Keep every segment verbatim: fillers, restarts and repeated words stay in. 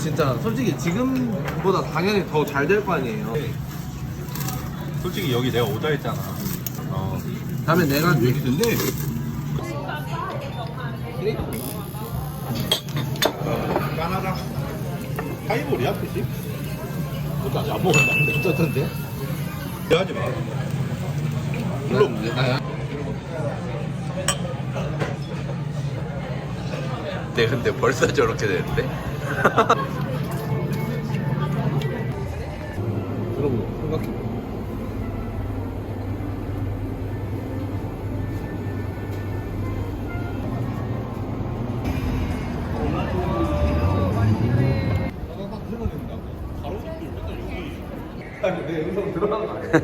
진짜 솔직히 지금보다 당연히 더 잘 될 거 아니에요. 솔직히 여기 내가 오자 했잖아. 어. 다음에 내가 여기 근데 까나다 하이볼이야 뜻이? 그것도 아직 안 먹었는데 어쩐데? 하지 마. 물론 네, 근데 벌써 저렇게 되는데? 여러분 생각해. 내 영상 들어간 거 아니야?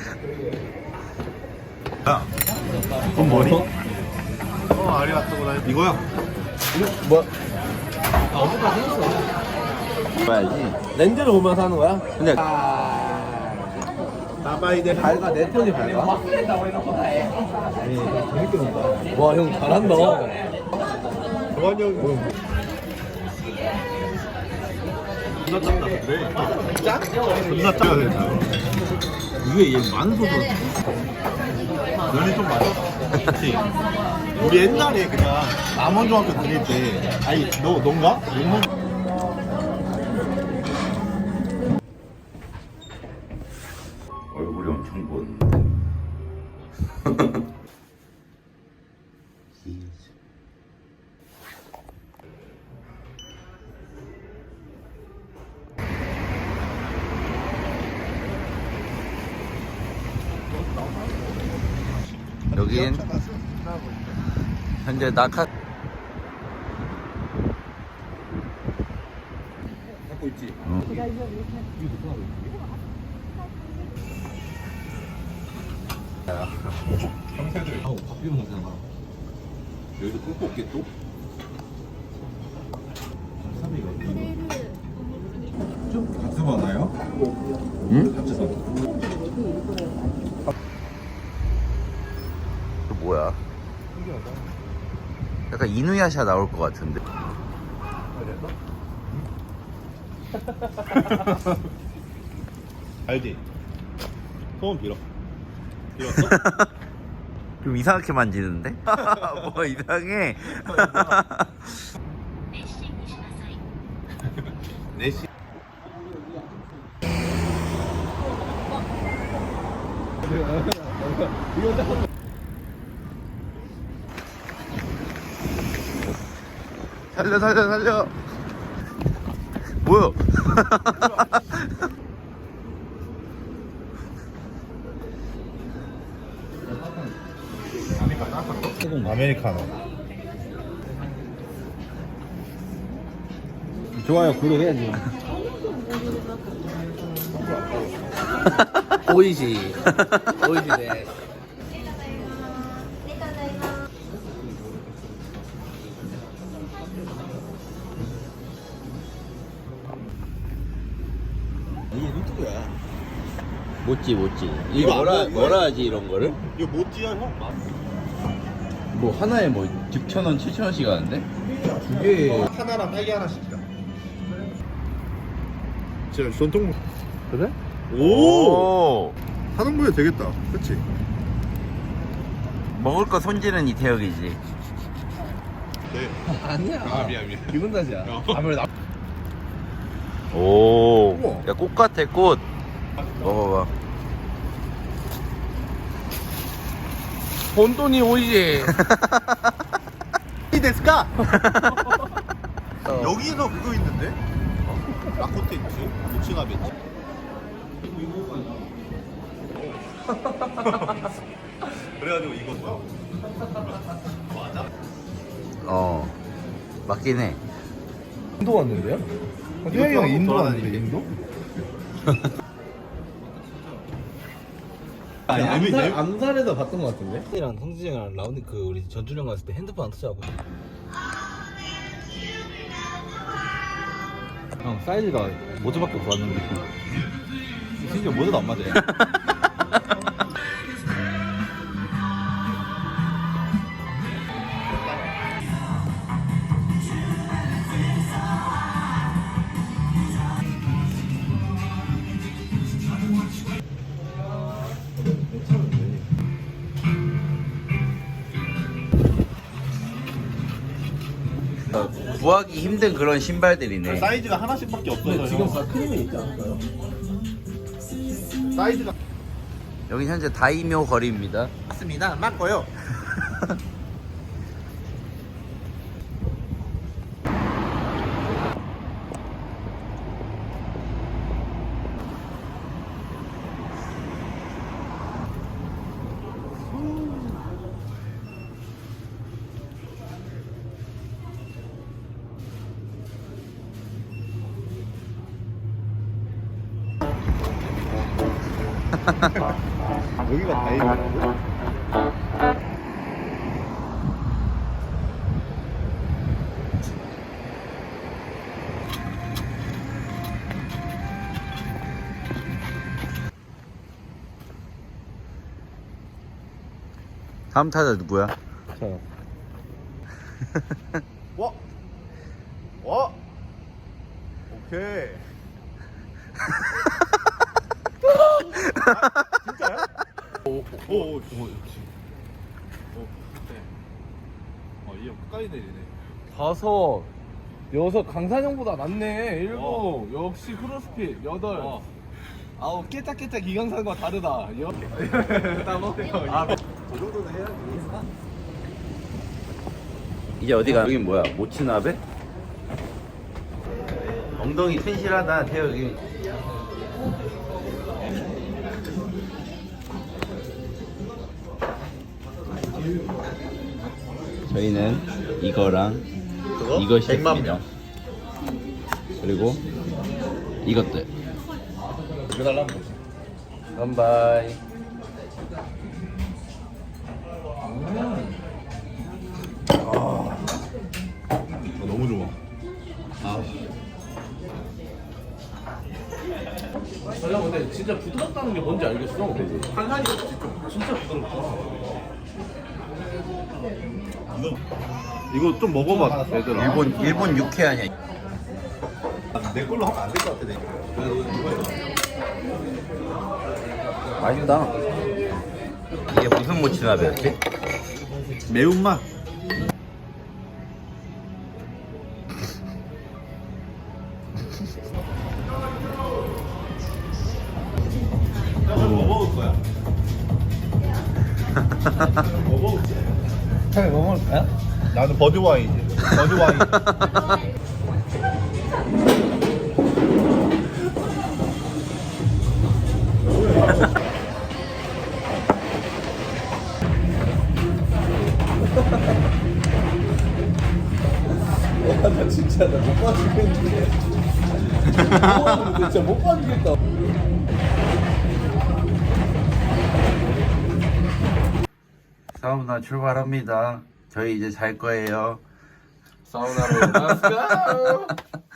야, 그건 뭐니? 어, 아리가또구나. 이거야. 뭐? 아 어디까지 했어? 봐야지. 렌즈를 보면서 하는 거야? 근데 나바이데. 밝아 내 톤이 밝아? 와 형 잘한다. 정환이 형. 존나 짠다. 그래. 짠? 존나 짜야 된다. 위에 얘 만소도 면이 좀 맞아. 그치? 우리 옛날에 그냥 남원중학교 다닐 때, 아니, 너, 넌가? 용문. 얼굴이 엄청 부었는데. 여긴 현재 낙하 갖고 있지? 형세들. 아우 밥 비벼 먹잖아. 여기도 꿀 뽑게 또? 좀 같이 많아요? 응? 같이 사. 또 뭐야? 약간 이누야샤 나올 것 같은데. 알지? 소원 빌어. 빌었어? 좀 이상하게 만지는데? 뭐 이상해. 네시. 살려 살려 살려. 뭐야? 아메리카노. 좋아요 구독해야지. 오이시 오이시네. 이게 유튜브야. 못지 못지. 이거 이거 뭐라 안 돼, 뭐라 하지 이런 거를? 이거 모찌야 형? 뭐 하나에 뭐 육천 원, 칠천 원씩 하는데? 두개 하나랑 딸기 하나 시키자. 진짜 전통. 그래? 오. 하동부에 되겠다. 그렇지? 먹을 거 손질은 이태혁이지. 네. 아니야. 아 미안 미안. 기분 탓이야. 어. 아무래도 오. 우와. 야, 꽃 같아 꽃. 먹어봐. 본돈이 오이시. 이 데스까? 어. 여기서 그거 있는데? 라코테 있지? 모츠나베 있지? 그래가지고 이거 뭐 맞아? 어. 맞긴 해. 인도 왔는데요? 태영이 형 인도 왔는데, 인도? 아니 아니, 암살, 재미- 암살에서 봤던 것 같은데? 이랑 성진이랑 라운드 그 우리 전주령 갔을 때 핸드폰 안 터치하고 형 사이즈가 모자밖에 없어 왔는데 심지어 모자도 안 맞아요. 구하기 힘든 그런 신발들이네. 사이즈가 하나씩밖에 없어서 지금 형. 다 크림에 있지 않을까요? 사이즈가 여기 현재 다이묘 거리입니다. 맞습니다. 맞고요. 여기가 다행이야. 다음 타자 누구야? 자, 와, 와, 오케이. 아, 진짜요? 오, 오, 오, 오, 어, 이형 끝까지 내리네. 다섯, 여섯, 강산형보다 낫네. 일곱, 역시 크로스핏. 여덟, 어. 아홉, 깨짝깨짝 이강산과 다르다. 여... 아, 그 정도는 해야지. 이제 어디가? 여긴 뭐야? 모치나베? 엉덩이 튼실하다 태혁이. 저희는 이거랑 그거? 이것이 백만 명. 그리고 이것들. 이거 달라면 뭐지? 깜바이. 아, 너무 좋아. 아, 야, 근데 진짜 부드럽다는 게 뭔지 알겠어. 한산이 진짜, 진짜 부드럽다. 이거 이거 좀 먹어봐, 얘들아. 일본 일본 육회 아니야? 내 걸로 하면 안 될 것 같아, 내. 맛있다. 이게 무슨 모치나베였지? 매운맛. 뭐 먹을 거야? 뭐 먹을지? 형이 뭐 먹을까요? 나는 버드 와인이지. 버드 와인. 나 진짜 나 못 봐주겠는데. 진짜 못 봐주겠다. 사우나 출발합니다. 저희 이제 잘 거예요. 사우나로 렛츠고!